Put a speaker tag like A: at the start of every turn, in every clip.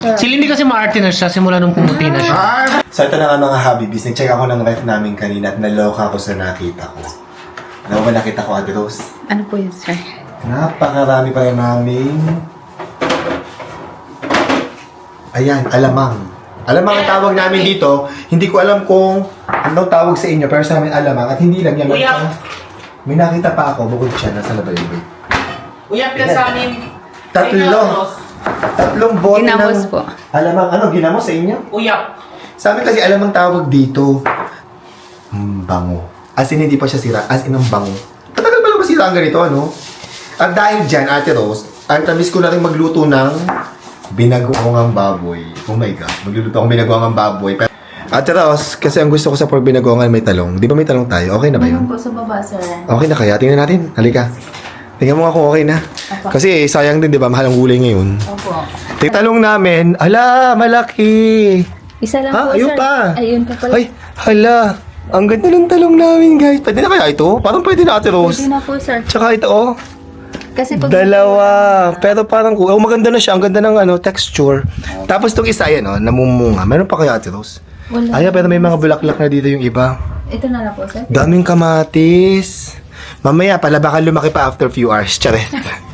A: Si Lindy kasi maarte na siya simula nung pumuti na siya.
B: So ito na nga mga Habibis, nag-check ako ng ref namin kanina at naloka ako sa nakita ko. Ano ba nakita ko, Ate Rose?
C: Ano po yun, sir?
B: Napakarami pa rin namin. Ayan, alamang. Alamang ang tawag namin dito. Hindi ko alam kung anong tawag sa inyo, pero sa amin alamang. At hindi lang yan. May nakita pa ako, bukod siya, nasa labayabay.
A: Uyap ka sa amin.
B: Tatlong bote
C: Ginamos
B: ng
C: po.
B: alamang. Ano, ginamos sa inyo?
A: Uyap.
B: Sa amin kasi alamang tawag dito. Bango. As in, hindi pa siya sira. As in, ang bango. Matagal pa lang ba sira ang ganito, ano? At dahil dyan, Ate Rose, ang tamis ko na rin magluto ng binagoongang baboy. Oh my God. Magluluto akong binagoongang baboy. Ate Rose, kasi ang gusto ko sa pork binagoongan may talong. Di ba may talong tayo? Okay na ba yun?
C: Meron po sa baba, sir.
B: Okay na kaya? Tingnan natin. Halika. Tingnan mo nga kung okay na.
C: Opo.
B: Kasi sayang din, di ba? Mahal ang gulay ngayon.
C: Opo.
B: Talong namin. Ala, malaki.
C: Isa lang
B: Ah,
C: po,
B: ayun
C: sir.
B: pa.
C: Ayun pa pala.
B: Ay, hala. Ang ganda ng talong namin, guys. Pwede na kaya ito? Parang pwede na, Ate Rose.
C: Pwede na po, sir.
B: Tsaka ito, oh.
C: Kasi pag...
B: Dalawa. Pero parang, oh, maganda na siya. Ang ganda ng texture. Tapos itong isa, yan, oh, namumunga. Meron pa kaya, Ate Rose?
C: Wala.
B: Ay, pero may mga bulaklak na dito yung iba.
C: Ito na lang po, sir.
B: Daming kamatis. Mamaya pala baka lumaki pa after few hours. Charet.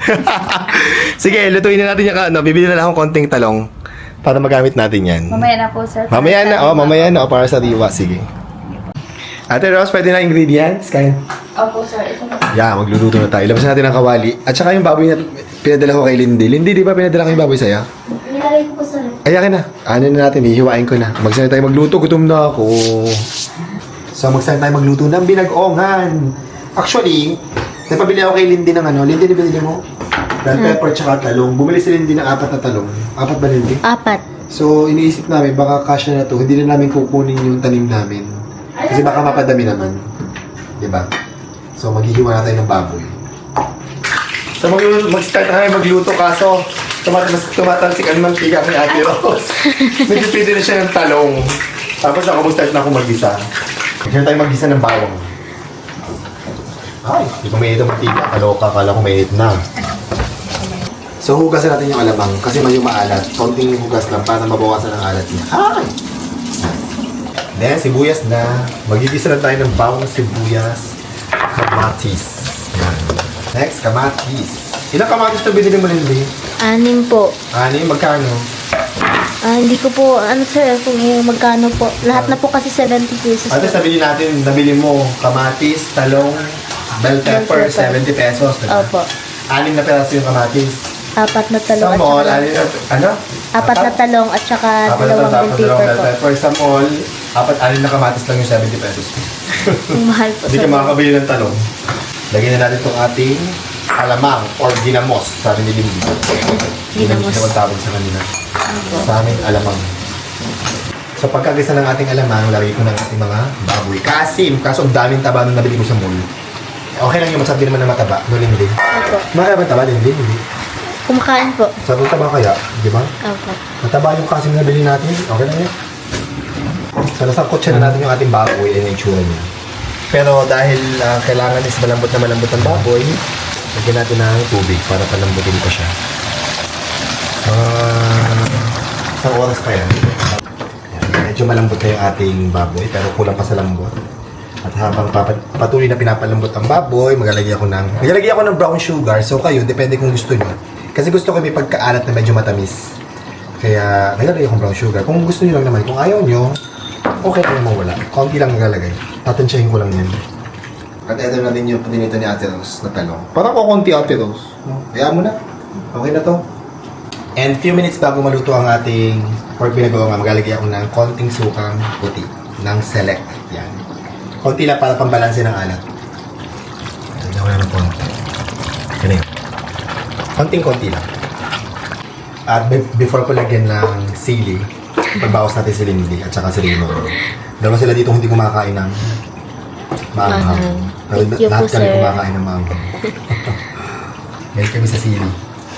B: Sige, lutuin na natin yung bibili na lang akong konting talong para magamit natin yan.
C: Mamaya na po, sir.
B: Mamaya na, para sa diwa. Sige. Ate Rose, pwede na ingredients? Kain.
C: Opo, sir. Ito na.
B: Yeah, magluluto na tayo. Ilabas natin ang kawali. At saka yung baboy na pinadala ko kay Lindy. Lindy, di ba pinadala ko yung baboy sa'yo?
C: Nilagay ko po, sir.
B: Ay, akin na. Ano na natin, hihiwain ko na. Magsanay tayo magluto, gutom na ako. So, magsanay tayo magluto ng binag-ongan. Actually, napabili ako kay Lindy ng ano. Lindy, nabili mo? Bell pepper tsaka talong. Bumili si Lindy ng 4 na talong. 4 ba, Lindy?
C: 4.
B: So, iniisip namin, baka kasya na to. Hindi na namin kukunin yung tanim namin. Kasi baka mapadami naman. Diba? So, maghihiwa na tayo ng baboy. So, mag-start na kami magluto kaso tumatalsik ang mantika ni Ate Rose. Medyo pwede na siya ng talong. Tapos ako mag-start na ako mag-gisa. Mag-start tayo mag-gisa ng bawang. Ay, hindi ko may ito mantika. Kaloka, kala ko may na. So, hugasan natin yung alamang kasi medyo maalat. Konting hugas lang para mabawasan ang alat niya. Ay! Then, sibuyas na. Magigisa na tayo ng bawang sibuyas. Kamatis. Yan. Next, kamatis. Ilang kamatis ito binili mo, Lindy?
D: 6 po.
B: Magkano?
D: Hindi ko po, sir, kung magkano po. Lahat na po kasi 70 pesos.
B: At nabili mo kamatis, talong, bell pepper,
D: Bell pepper.
B: 70 pesos. Diba?
D: Opo.
B: 6 na peraso yung kamatis.
D: 4 na talong
B: Sa
D: at
B: mall,
D: saka...
B: ano?
D: 4 na talong at saka 2
B: Dalawang
D: bell
B: bell
D: pepper po.
B: pepper. Sa mall, 6 na kamatis lang yung 70 pesos.
D: Ang mahal po,
B: Hindi
D: sir.
B: ka makakabili ng talong. Lagyan na natin itong ating alamang or ginamos. Sabi ni Lindy. Ginamos na tawag sa kanila. Sa amin, alamang. So pagkagisa ng ating alamang, lagay ko ng ating mga baboy. Kaso ang daming taba nung nabili ko sa mall. Okay lang yung masabi naman na mataba, no Lindy?
D: Opo.
B: Makaya ba taba, Lindy? Hindi.
D: Kumakain po.
B: Sabi taba kaya, di ba?
D: Opo.
B: Mataba yung kasim na nabili natin. Okay lang yan. So nasangkot siya na natin yung ating baboy and yung itsura niya. Pero dahil kailangan is malambot ang baboy, lagyan natin ng tubig para palambutin ko siya. Isang oras pa yan. Medyo malambot na yung ating baboy pero kulang pa sa lambot. At habang patuloy na pinapalambot ang baboy, maglalagay ako ng brown sugar. So kayo, depende kung gusto nyo. Kasi gusto ko may pagkaalat na medyo matamis. Kaya naglalagay akong brown sugar. Kung gusto nyo lang naman, kung ayaw nyo, okay lang naman wala. Konti lang nagalagay. Tatansyahin ko lang yan. At ito na din yung paninito ni Ate Rose na talong. Parang ko konti Ate Rose. No? Kaya mo na. Okay na to. And few minutes bago maluto ang ating pork binagawa, maglalagay ako ng konting sukang puti. Ng select. Yan. Konti lang para pambalansin ng alat. Lagyan ko na ng konti. Yan yun. Konting-konti lang. At before ko lagyan ng sili, pagbawas natin si Lindy at saka si Raymond. Dalawa sila dito hindi kumakain ng maanghang. Pero
D: Thank you
B: lahat
D: po,
B: kami
D: sir.
B: kumakain ng maanghang. May kami sa sili.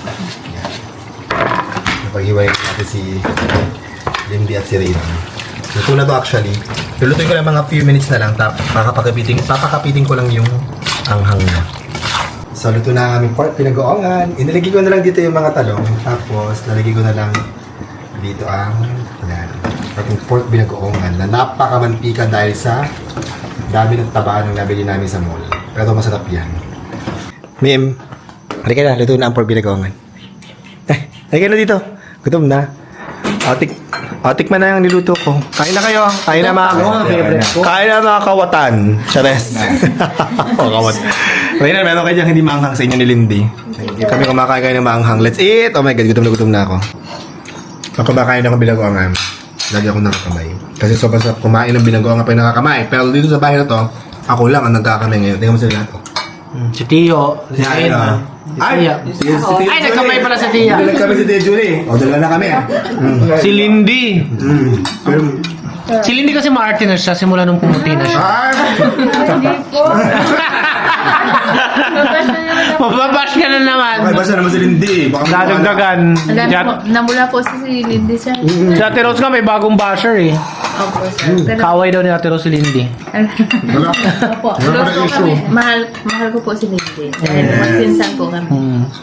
B: Napaghiwalay natin si Lindy at si Raymond. Luto na to actually. Lulutuin ko lang mga few minutes na lang. Papakapiting ko lang yung anghang na. So, luto na ang aming pork, pinag-oongan. Inilagay ko na lang dito yung mga talong. Tapos, lalagay ko na lang dito ang ating pork binagoongan na napakamantika dahil sa dami ng taba ng nabili namin sa mall. Pero masarap yan. Mim, halika na, luto na ang pork binagoongan. Halika na dito. Gutom na. Tikman na yung niluto ko. Kain na kayo. Kain na mga Kain na mga kawatan. Chares. Kawatan. Reynan, meron kayo dyan hindi maanghang sa inyo ni Lindy. Kami kumakain kayo ng maanghang. Let's eat! Oh my God, gutom na ako. Pag kumakain ako binagoongan, lagi ako nakakamay. Kasi sobrang sarap kumain ng binagoongan pa yung nakakamay. Pero dito sa bahay na to, ako lang ang nagkakamay ngayon. Tingnan mo sila lahat.
A: Si Tio. Si Ain.
B: Ay!
A: Ay, nagkamay pala si Tia.
B: Nagkamay si Tia Julie. O, dalawa na kami ah.
A: Si Lindy.
B: Pero,
A: Si Lindy kasi ma-arte na siya simula nung pumuti na siya.
C: Hindi po.
A: Mababash ka na naman.
B: okay, basta naman si Lindy. Baka
A: Dadagdagan.
C: Namula po si Lindy, sir.
A: Si Ate Rose nga may bagong basher eh.
C: Opo, sir. Pero,
A: Kaway daw ni Ate Rose si Lindy.
B: Wala.
C: opo,
B: Wala
C: close
B: pa
C: po
B: issue.
C: kami. Mahal ko po si Lindy. Dahil magpinsan po kami.